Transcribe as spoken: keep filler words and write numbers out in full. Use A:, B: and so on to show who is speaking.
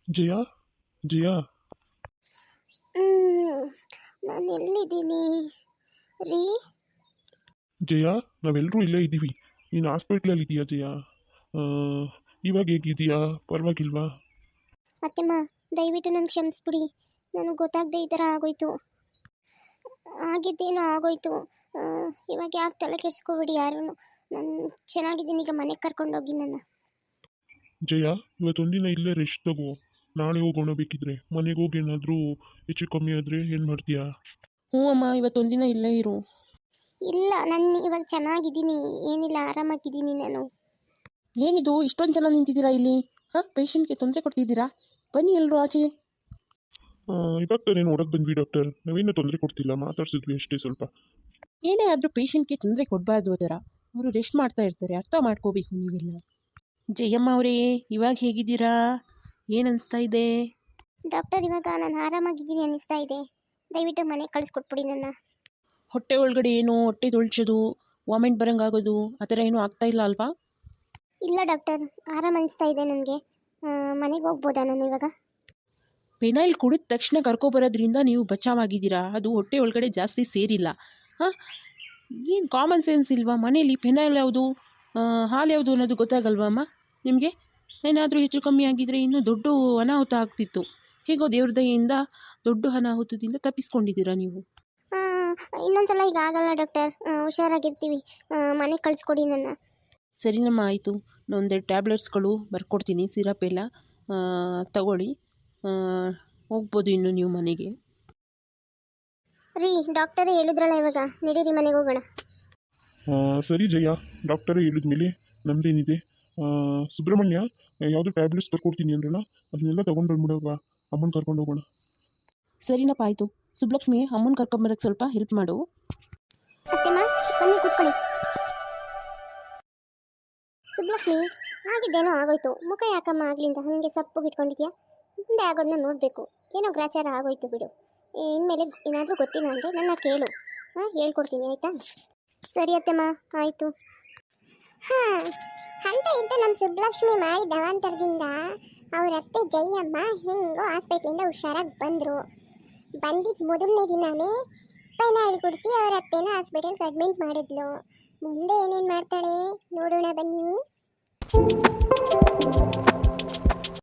A: ಜಯ ಜಯ
B: ನಾನು ಎಲ್ಲಿದ್ದೀನಿ ರೀ?
A: ಜಯ ನಾವೆಲ್ಲರೂ ಇಲ್ಲೇ ಇದ್ದೀವಿ. ನೀನು ಹಾಸ್ಪಿಟ್ಲಲ್ಲಿ ಇದೆಯಾ ಜಯ? ಆ, ಇವಾಗ ಹೇಗಿದೆಯಾ? ಪರವಾಗಿಲ್ವಾ?
B: ಅತ್ತೆಮ್ಮ, ದಯವಿಟ್ಟು ನನಗೆ ಕ್ಷಮಿಸ್ಬಿಡಿ. ನನಗೆ ಗೊತ್ತಾಗದೆ ಈ ಥರ ಆಗೋಯ್ತು. ಆಗಿದ್ದೇನೋ ಆಗೋಯ್ತು. ಆ, ಇವಾಗ ಯಾರು ತಲೆ ಕೆಡಿಸ್ಕೋಬೇಡಿ ಯಾರೂ. ನಾನು ಚೆನ್ನಾಗಿದ್ದೀನಿ, ಈಗ ಮನೆಗೆ ಕರ್ಕೊಂಡೋಗಿ ನನ್ನ.
A: ಜಯ, ಇವತ್ತೊಂದಿನ ಇಲ್ಲೇ ರೆಸ್ಟ್ ತಗೋ. ನಾಳೆ ಹೋಗೋಣ ಬೇಕಿದ್ರೆ. ಮನೆಗೆ ಹೋಗಿ ಏನಾದರೂ ಹೆಚ್ಚು ಕಮ್ಮಿ ಆದರೆ ಏನು ಮಾಡ್ತೀಯಾ?
C: ಹ್ಞೂ ಅಮ್ಮ, ಇವತ್ತೊಂದಿನ ಇಲ್ಲೇ ಇರು.
B: ಇಲ್ಲ, ನಾನು ಇವಾಗ ಚೆನ್ನಾಗಿದ್ದೀನಿ, ಏನಿಲ್ಲ, ಆರಾಮಾಗಿದ್ದೀನಿ ನಾನು.
C: ಏನಿದು ಇಷ್ಟೊಂದು ಜನ ನಿಂತಿದ್ದೀರಾ ಇಲ್ಲಿ? ಹಾಂ, ಪೇಷಂಟ್ಗೆ ತೊಂದರೆ ಕೊಡ್ತಿದ್ದೀರಾ? ಬನ್ನಿ ಎಲ್ಲರೂ ಆಚೆ.
A: ಆ, ಇವಾಗ ತಾನೇ ನೋಡಕ್ಕೆ ಬಂದ್ವಿ ಡಾಕ್ಟರ್. ನಾವೇನೂ ತೊಂದರೆ ಕೊಡ್ತಿಲ್ಲ, ಮಾತಾಡ್ಸಿದ್ವಿ ಅಷ್ಟೇ ಸ್ವಲ್ಪ.
C: ಏನೇ ಆದರೂ ಪೇಷಂಟ್ಗೆ ತೊಂದರೆ ಕೊಡಬಾರ್ದು ಅದರ. ಅವರು ರೆಸ್ಟ್ ಮಾಡ್ತಾ ಇರ್ತಾರೆ, ಅರ್ಥ ಮಾಡ್ಕೋಬೇಕು ನೀವೆಲ್ಲ. ಜಯಮ್ಮ ಅವರೇ, ಇವಾಗ ಹೇಗಿದ್ದೀರಾ? ಏನು ಅನಿಸ್ತಾ ಇದೆ?
B: ಡಾಕ್ಟರ್, ಇವಾಗ ನಾನು ಆರಾಮಾಗಿದ್ದೀನಿ ಅನ್ನಿಸ್ತಾ ಇದೆ. ದಯವಿಟ್ಟು ಮನೆಗೆ ಕಳಿಸ್ಕೊಟ್ಬಿಡಿ ನನ್ನ.
C: ಹೊಟ್ಟೆ ಒಳಗಡೆ ಏನು ಹೊಟ್ಟೆ ತೊಳ್ಸೋದು, ವಾಮಿಟ್ ಬರೋಂಗಾಗೋದು ಆ ಥರ ಏನೂ ಆಗ್ತಾ ಇಲ್ಲ ಅಲ್ವಾ?
B: ಇಲ್ಲ ಡಾಕ್ಟರ್, ಆರಾಮ ಅನಿಸ್ತಾ ಇದೆ ನನಗೆ. ಮನೆಗೆ ಹೋಗ್ಬೋದಾ ನಾನು ಇವಾಗ?
C: ಪೆನೈಲ್ ಕುಡಿದ ತಕ್ಷಣ ಕರ್ಕೊಬರೋದ್ರಿಂದ ನೀವು ಬಚಾವಾಗಿದ್ದೀರಾ. ಅದು ಹೊಟ್ಟೆ ಒಳಗಡೆ ಜಾಸ್ತಿ ಸೇರಿಲ್ಲ. ಹಾಂ, ಏನು ಕಾಮನ್ ಸೆನ್ಸ್ ಇಲ್ವಾ? ಮನೇಲಿ ಪೆನೈಲ್ ಯಾವುದು ಹಾಲು ಯಾವುದು ಅನ್ನೋದು ಗೊತ್ತಾಗಲ್ವಾ ಅಮ್ಮ ನಿಮಗೆ? ಏನಾದರೂ ಹೆಚ್ಚು ಕಮ್ಮಿ ಆಗಿದ್ದರೆ ಇನ್ನೂ ದೊಡ್ಡ ಅನಾಹುತ ಆಗ್ತಿತ್ತು. ಹೇಗೋ ದೇವ್ರ ದಯೆಯಿಂದ ದೊಡ್ಡ ಅನಾಹುತದಿಂದ ತಪ್ಪಿಸ್ಕೊಂಡಿದ್ದೀರಾ ನೀವು.
B: ಇನ್ನೊಂದ್ಸಲ ಈಗ ಆಗಲ್ಲ ಡಾಕ್ಟರ್, ಹುಷಾರಾಗಿರ್ತೀವಿ. ಮನೆಗೆ ಕಳಿಸ್ಕೊಡಿ ನನ್ನ.
C: ಸರಿನಮ್ಮ, ಆಯಿತು. ಒಂದೆರಡು ಟ್ಯಾಬ್ಲೆಟ್ಸ್ಗಳು ಬರ್ಕೊಡ್ತೀನಿ, ಸಿರಪ್ ಎಲ್ಲ ತಗೊಳ್ಳಿ. ಹೋಗ್ಬೋದು ಇನ್ನು ನೀವು ಮನೆಗೆ.
B: ರೀ, ಡಾಕ್ಟರೇ ಹೇಳಿದ್ರಲ್ಲ ಇವಾಗ, ನಡೀರಿ ಮನೆಗೆ ಹೋಗೋಣ.
A: ಆ, ಸರಿ ಜಯ, ಡಾಕ್ಟರೇ ಹೇಳಿದ್ಮೇಲೆ ನಮ್ದೇನಿದೆ. ಆ, ಸುಬ್ರಹ್ಮಣ್ಯ, ಯಾವುದು ಟ್ಯಾಬ್ಲೆಟ್ಸ್ ಬರ್ಕೊಡ್ತೀನಿ ಅಂದ್ರಲ್ಲ, ಅದನ್ನೆಲ್ಲ ತೊಗೊಂಡು ಬಂದ್ಬಿಡೋವಾ? ಅಮ್ಮನ ಕರ್ಕೊಂಡು ಹೋಗೋಣ.
C: ಸರಿನಪ್ಪ, ಆಯಿತು. ಸುಬ್ಲಕ್ಷ್ಮಿ, ಅಮ್ಮನ ಕರ್ಕೊಂಬರಕ್ಕೆ ಸ್ವಲ್ಪ ಹೆಲ್ಪ್ ಮಾಡು.
B: ಅತ್ತೆಮ್ಮ, ಬನ್ನಿ ಕೂತ್ಕೊಳ್ಳಿ. ಸುಬ್ಲಕ್ಷ್ಮಿ, ಆಗಿದ್ದೇನೋ ಆಗೋಯ್ತು. ಮುಖ ಯಾಕಮ್ಮ ಆಗ್ಲಿಂದ ಹಾಗೆ ಸಪ್ಪಗಿಟ್ಕೊಂಡಿದ್ಯಾ? ಮುಂದೆ ಆಗೋದನ್ನ ನೋಡಬೇಕು. ಏನೋ ಗ್ರಾಚಾರ ಆಗೋಯ್ತು ಬಿಡು. ಇನ್ಮೇಲೆ ಏನಾದರೂ ಗೊತ್ತಿಲ್ಲ ಅಂದರೆ ನನ್ನ ಕೇಳು. ಹಾಂ, ಹೇಳ್ಕೊಡ್ತೀನಿ ಆಯಿತಾ? ಸರಿ ಅತ್ತೆಮ್ಮ, ಆಯಿತು. ಹಾಂ, ಅಂತ ಇದ್ದ ನಮ್ಮ ಸುಬ್ಲಕ್ಷ್ಮಿ ಮಾಡಿದ ಅವಾಂತರದಿಂದ ಅವ್ರ ಅತ್ತೆ ಜಯಮ್ಮ ಹೆಂಗೋ ಹಾಸ್ಪಿಟ್ಲಿಂದ ಹುಷಾರಾಗಿ ಬಂದರು. ಬಂದಿದ್ದು ಮೊದಲನೇ ದಿನಾನೇ ಪೆನಾಯಿಲ್ ಕುಡಿಸಿ ಅವ್ರ ಅತ್ತೆನ ಹಾಸ್ಪಿಟಲ್ಗೆ ಅಡ್ಮಿಟ್ ಮಾಡಿದ್ಲು. ಮುಂದೆ ಏನೇನು ಮಾಡ್ತಾಳೆ ನೋಡೋಣ ಬನ್ನಿ.